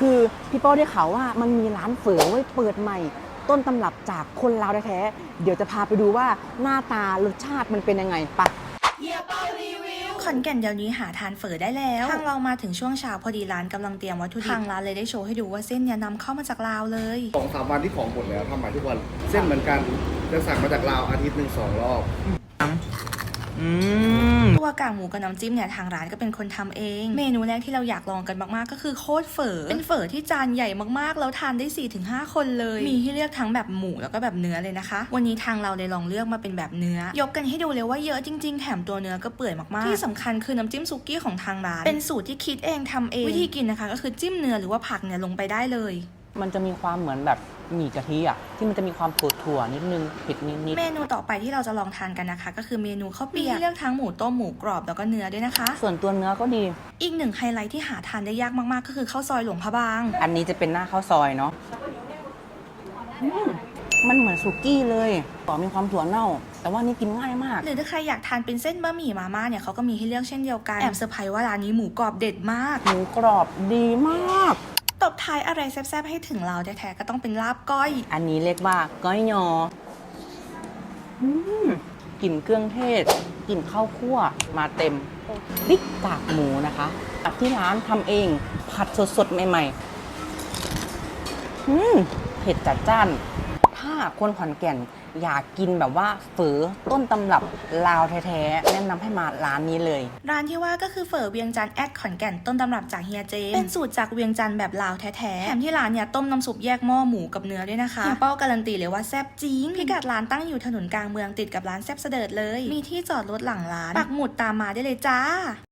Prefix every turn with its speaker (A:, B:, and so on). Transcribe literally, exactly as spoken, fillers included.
A: คือพี่เป้าได้ข่าวว่ามันมีร้านเฝอไว้เปิดใหม่ ต้นตำรับจากคนลาวแท้ๆเดี๋ยวจะพาไปดูว่าหน้าตารสชาติมันเป็นยังไงปะ
B: ขอนแก่นเดี๋ยวนี้หาทานเฝอได้แล้วทางเรามาถึงช่วงเช้าพอดีร้านกำลังเตรียมวัตถุดิบทางร้านเลยได้โชว์ให้ดูว่าเส้นเนี่ยนำเข้ามาจากลาวเลย
C: สองสามวันที่ของหมดแล้วทำใหม่ทุกวันเส้นเหมือนกันจะสั่งมาจากลาวอาทิตย์หนึ่งสองรอบ
A: อืม
B: ตัวกากหมูกับน้ำจิ้มเนี่ยทางร้านก็เป็นคนทำเอง เมนูแรกที่เราอยากลองกันมากๆก็คือโคตรเฝอเป็นเฝอที่จานใหญ่มากๆแล้วทานได้ สี่ถึงห้า คนเลยมีให้เลือกทั้งแบบหมูแล้วก็แบบเนื้อเลยนะคะวันนี้ทางเราเลยลองเลือกมาเป็นแบบเนื้อยกกันให้ดูเลยว่าเยอะจริงๆแถมตัวเนื้อก็เปื่อยมากๆที่สำคัญคือน้ำจิ้มซุกี้ของทางร้านเป็นสูตรที่คิดเองทำเองวิธีกินนะคะก็คือจิ้มเนื้อหรือว่าผักเนี่ยลงไปได้เลย
A: มันจะมีความเหมือนแบบหมี่กะทิอ่ะที่มันจะมีความเผืดถั่วนิดนึงเผ็ดนิด
B: เมนูต่อไปที่เราจะลองทานกันนะคะก็คือเมนูข้าวเปียกมีเลือกทั้งหมูต้มหมูกรอบแล้วก็เนื้อด้วยนะคะ
A: ๆส่วนตัวเนื้อก็ดี
B: อีกหนึ่งไฮไลท์ที่หาทานได้ยากมากๆก็คือข้าวซอยหลวงพระบาง
A: อันนี้จะเป็นหน้าข้าวซอยเนาะอืมมันเหมือนสุกี้เลยต่อมีความถั่วเน่า แต่ว่านี่กินง่ายมาก
B: หรือถ้าใครอยากทานเป็นเส้นบะหมี่มาม่าเนี่ยเขาก็มีให้เลือกเช่นเดียวกันแอบเซอร์ไพรส์ว่าร้านนี้หมูกรอบเด็ดมาก
A: หมูกรอบดีมาก
B: ตบท้ายอะไรแซ่บๆให้ถึงเราแท้ๆก็ต้องเป็นลาบก้อย
A: อันนี้เรียกว่าก้อยยออืมกลิ่นเครื่องเทศกลิ่นข้าวคั่วมาเต็มพริกกากหมูนะคะจากที่ร้านทำเองผัดสดๆใหม่ๆอืมเผ็ดจัดจ้านถ้าคนขอนแก่นอยากกินแบบว่าเฝอต้นตำรับลาวแท้ๆแนะนำให้มาร้านนี้เลย
B: ร้านที่ว่าก็คือเฝอเวียงจันทร์แอดขอนแก่นต้นตำรับจากเฮียเจมเป็นสูตรจากเวียงจันทร์แบบลาวแท้ๆแถมที่ร้านเนี่ยต้มน้ำซุปแยกหม้อหมูกับเนื้อด้วยนะคะเฮียเป้าการันตีเลยว่าแซ่บจริงพิกัดร้านตั้งอยู่ถนนกลางเมืองติดกับร้านแซ่บเสดิร์ดเลยมีที่จอดรถหลังร้านปักหมุดตามมาได้เลยจ้า